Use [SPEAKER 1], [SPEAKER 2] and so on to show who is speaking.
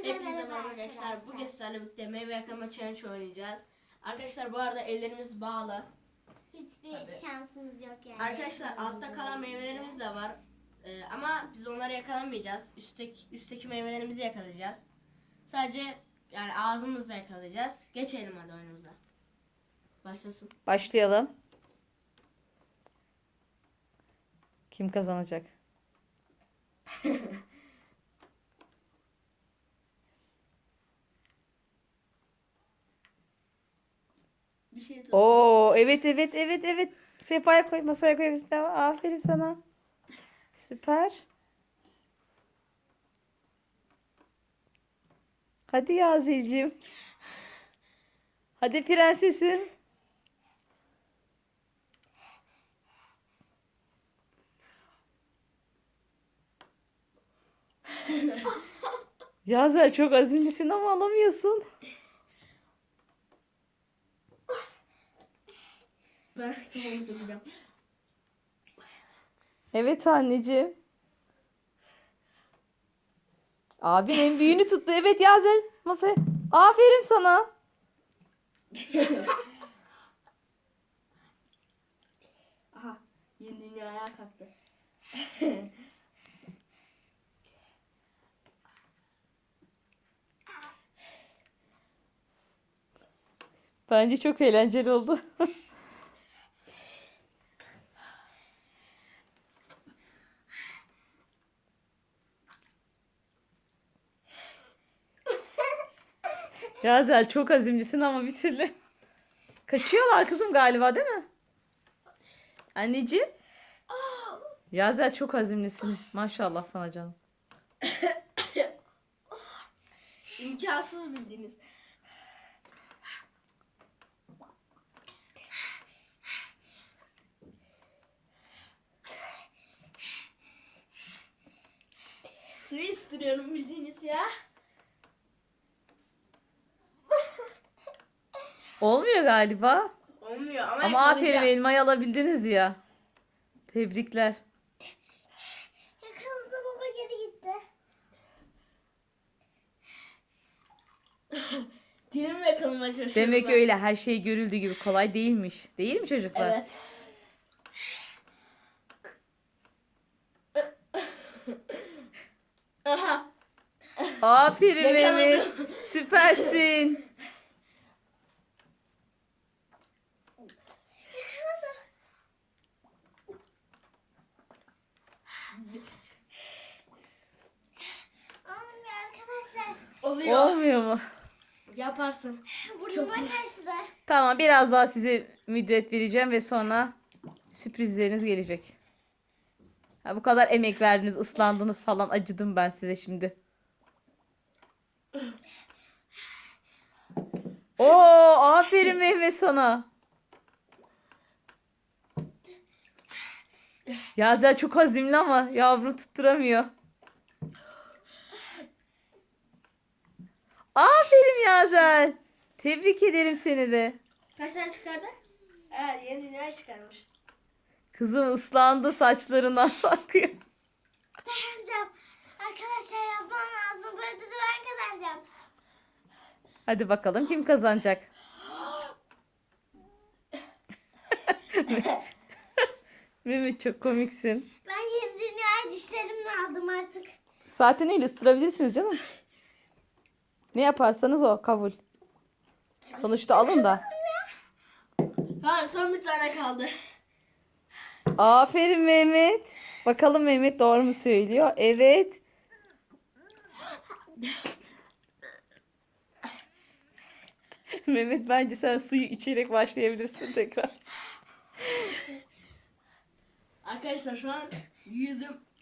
[SPEAKER 1] Hepinize merhaba arkadaşlar. Bugün sizlerle birlikte meyve yakalama challenge oynayacağız. Arkadaşlar bu arada ellerimiz bağlı.
[SPEAKER 2] Hiçbir şansımız yok yani.
[SPEAKER 1] Arkadaşlar altta kalan meyvelerimiz de var. Ama biz onları yakalamayacağız. Üstteki meyvelerimizi yakalayacağız. Sadece yani ağzımızla yakalayacağız. Geçelim hadi oyunumuza. Başlasın.
[SPEAKER 3] Başlayalım. Kim kazanacak?
[SPEAKER 1] Bir şey tut.
[SPEAKER 3] Oo, evet. Sehpaya koy, masaya koy. Tamam, aferin sana. Süper. Hadi Yazel'cim. Hadi prensesim. Yazel çok azimlisin ama alamıyorsun.
[SPEAKER 1] Ben kafamı sokacağım.
[SPEAKER 3] Evet anneciğim. Abin en büyüğünü tuttu. Evet Yazel. Masaya. Aferin sana.
[SPEAKER 1] Aha. Yeni dünya ayağa kalktı.
[SPEAKER 3] Bence çok eğlenceli oldu. Yazel çok azimlisin ama bir türlü. Kaçıyorlar kızım galiba değil mi? Anneciğim. Yazel çok azimlisin. Maşallah sana canım.
[SPEAKER 1] İmkansız bildiğiniz. Suyu ısıtırıyorum bildiğiniz ya.
[SPEAKER 3] Olmuyor galiba.
[SPEAKER 1] Olmuyor ama
[SPEAKER 3] Ama aferin
[SPEAKER 1] yakalayacağım.
[SPEAKER 3] elmayı alabildiniz ya. Tebrikler.
[SPEAKER 2] Yakaladı, baba geri gitti.
[SPEAKER 1] Dilimi yakalamaya çalışıyorum
[SPEAKER 3] Demek
[SPEAKER 1] ben.
[SPEAKER 3] öyle her şey görüldüğü gibi kolay değilmiş. Değil mi çocuklar?
[SPEAKER 1] Evet. Aha.
[SPEAKER 3] Aferin
[SPEAKER 1] Yakaladım.
[SPEAKER 3] Mehmet. Süpersin.
[SPEAKER 2] Olmuyor arkadaşlar.
[SPEAKER 1] Oluyor.
[SPEAKER 3] Olmuyor mu?
[SPEAKER 1] Yaparsın.
[SPEAKER 2] Burnuma kaçtı.
[SPEAKER 3] Tamam biraz daha size müddet vereceğim ve sonra sürprizleriniz gelecek. Ha, bu kadar emek verdiniz, ıslandınız falan acıdım ben size şimdi. Oo, aferin Mehmet sana. Yazel çok azimli ama yavrum tutturamıyor. Aferin Yazel. Tebrik ederim seni de.
[SPEAKER 1] Kaç tane çıkardı? Evet, yeni dünya çıkarmış.
[SPEAKER 3] Kızım ıslandı, saçlarından sarkıyor.
[SPEAKER 2] Kazanacağım. Arkadaşlar yapmam lazım. Bu ödülü ben kazanacağım.
[SPEAKER 3] Hadi bakalım kim kazanacak? Mehmet çok komiksin.
[SPEAKER 2] Ben yeni dünyayı dişlerimle aldım artık.
[SPEAKER 3] Zaten öyle ıstırabilirsiniz canım. Ne yaparsanız o kabul. Sonuçta alın da.
[SPEAKER 1] Tamam, son bir tane kaldı.
[SPEAKER 3] Aferin Mehmet. Bakalım Mehmet doğru mu söylüyor? Evet. Mehmet bence sen suyu içerek başlayabilirsin tekrar.
[SPEAKER 1] Arkadaşlar şu an yüzüm